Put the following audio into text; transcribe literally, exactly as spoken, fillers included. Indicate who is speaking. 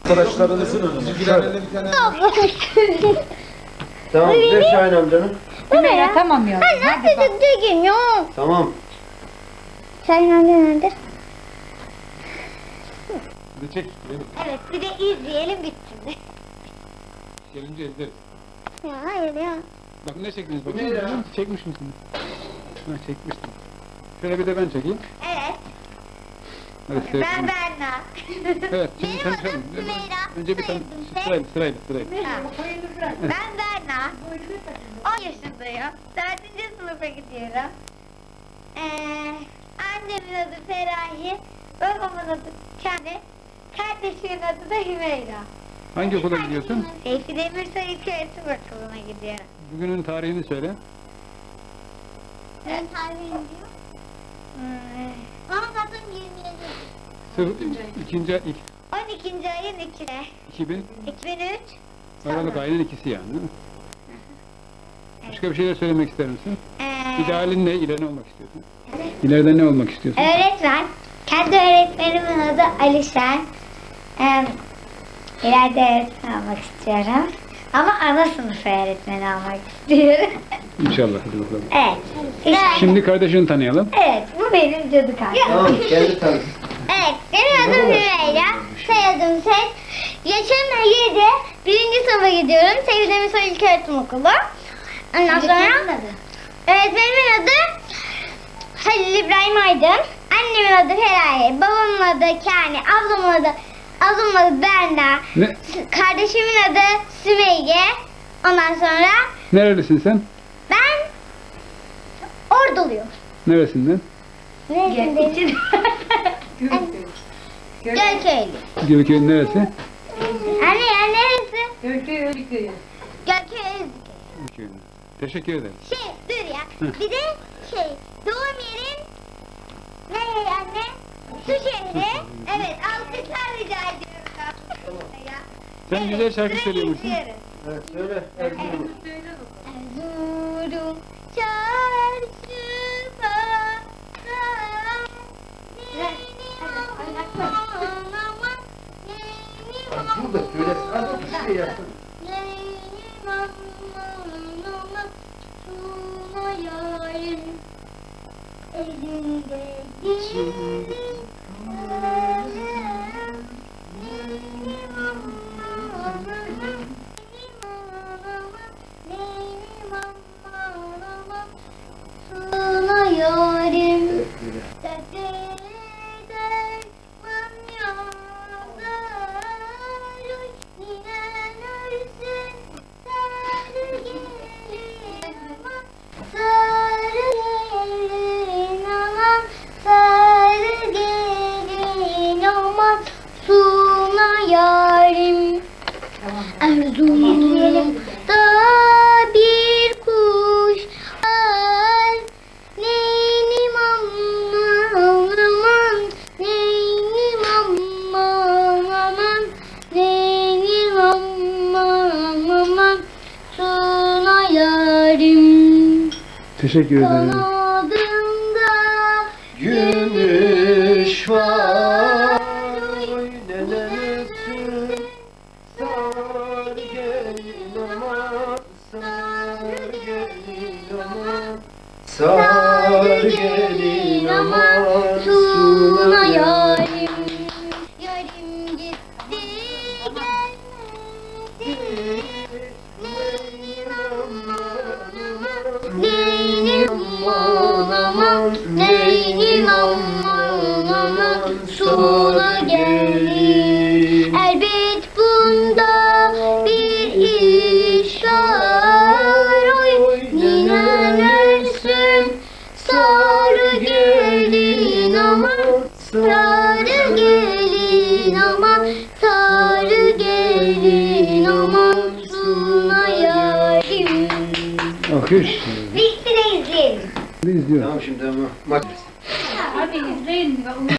Speaker 1: Arkadaşlarınızın önüne. Şöyle.
Speaker 2: Tamam, ver Şahin amcanın.
Speaker 3: Hümeyra tamam ya.
Speaker 4: Hadi bak. Düzgün yok.
Speaker 2: Tamam.
Speaker 4: Şahin amca nerede?
Speaker 1: Bir çek. Beni.
Speaker 4: Evet bir de izleyelim bitsin.
Speaker 1: Gelince izleriz.
Speaker 4: Ya hayır ya.
Speaker 1: Bak ne çektiniz bakayım.
Speaker 2: Bu ne ya?
Speaker 1: Çekmiş misiniz? Ha çekmiştim. Şöyle bir de ben çekeyim.
Speaker 4: Evet.
Speaker 1: Hadi
Speaker 4: Ben
Speaker 1: seyredin.
Speaker 4: Berna.
Speaker 1: Evet. Şimdi
Speaker 4: Benim
Speaker 1: sen
Speaker 4: adım
Speaker 1: sen.
Speaker 4: Sümeyra.
Speaker 1: Önce bir tane
Speaker 4: Soyadım Tek.
Speaker 1: sırayla sırayla sırayla.
Speaker 4: Ha. Ben Berna. on yaşındayım. dördüncü sınıfa gidiyorum. Ee, annemin adı Feraye. Babamın adı Kane. Kardeşimin adı da Hümeyra.
Speaker 1: Hangi okula gidiyorsun?
Speaker 4: Seyfi Demirsoy İlköğretim Okulu'na gidiyorum.
Speaker 1: Bugünün tarihini söyle.
Speaker 4: Ben tarihini diyor. Hmm. Ama zaten yirmi yedi.
Speaker 1: Sır, ikinci ilk
Speaker 4: on ikinci ayın ikide.
Speaker 1: iki bin
Speaker 4: iki bin üç.
Speaker 1: Aralık ayının ikisi yani değil mi? Başka bir şeyler söylemek ister misin?
Speaker 4: Ee,
Speaker 1: İdealin ne? İleride ne olmak istiyorsun? İleride ne olmak istiyorsun?
Speaker 4: öğretmen. Kendi öğretmenimin adı Alişen. Ee, ileride öğretmen olmak istiyorum. Ama ana sınıf öğretmeni olmak istiyorum.
Speaker 1: İnşallah. Hadi bakalım.
Speaker 4: Evet. İşte,
Speaker 1: Şimdi kardeşini tanıyalım.
Speaker 4: evet, bu benim cadı kardeşim.
Speaker 2: Tamam, kendi tanı.
Speaker 4: Evet, benim adım Hümeyra. Soyadım Tek. Yaşım yedi. Birinci sınıfa gidiyorum. Seyfi Demirsoy İlköğretim Okulu. Ondan sonra öğretmenimin adı Halil İbrahim Aydın. Annemin adı Feraye. Babamın adı Kani. Ablamın adı Ablamın adı Berna.
Speaker 1: Ne?
Speaker 4: Kardeşimin adı Sümeyye. Ondan sonra
Speaker 1: Nerelisin sen?
Speaker 4: ben Orduluyum.
Speaker 1: Neresinden?
Speaker 4: Neresindeyim? Gölköylü.
Speaker 1: Gölköy'ün neresi?
Speaker 4: Anne ya neresi?
Speaker 3: Gölköy Ölüköy'ü.
Speaker 4: Gölköy.
Speaker 1: Gölköy'ün. Teşekkür ederim.
Speaker 4: Şey dur ya. Bir de şey doğum yerin ne anne? Su şehri. Evet alkışlar rica ediyorum. Ya.
Speaker 1: Sen
Speaker 4: Evet,
Speaker 1: güzel şarkı
Speaker 4: sırayı
Speaker 1: söylüyor musun?
Speaker 4: izliyoruz.
Speaker 2: Evet, söyle. Erzurum.
Speaker 4: Erzurum çarşı pazar.
Speaker 2: Burada söyle. Hadi bir şey yapın.
Speaker 4: Yarim
Speaker 2: Evet, söyle.
Speaker 4: Erzurum'da bir kuş var. Neynim aman aman, neynim aman aman, neynim aman aman, suna yarim.
Speaker 1: Teşekkür ederim.
Speaker 4: Kanadımda
Speaker 2: Gümüş var. Oy nenem ötsün. Sar gelin aman. Sar gelin aman. Sar gelin aman.
Speaker 4: suna yarim. Yarim gitti gelmedi. Neynim aman aman, neynim aman aman, sona geldi. Elbet bunda bir iş var. Oy ninen ölsün, sarı gelin aman, sarı gelin aman, sarı gelin aman, sona yarim.
Speaker 1: Alkış.
Speaker 4: Bitti de izleyelim.
Speaker 1: Ne izliyoruz?
Speaker 2: Tamam şimdi ama maç.
Speaker 3: Hadi izleyin.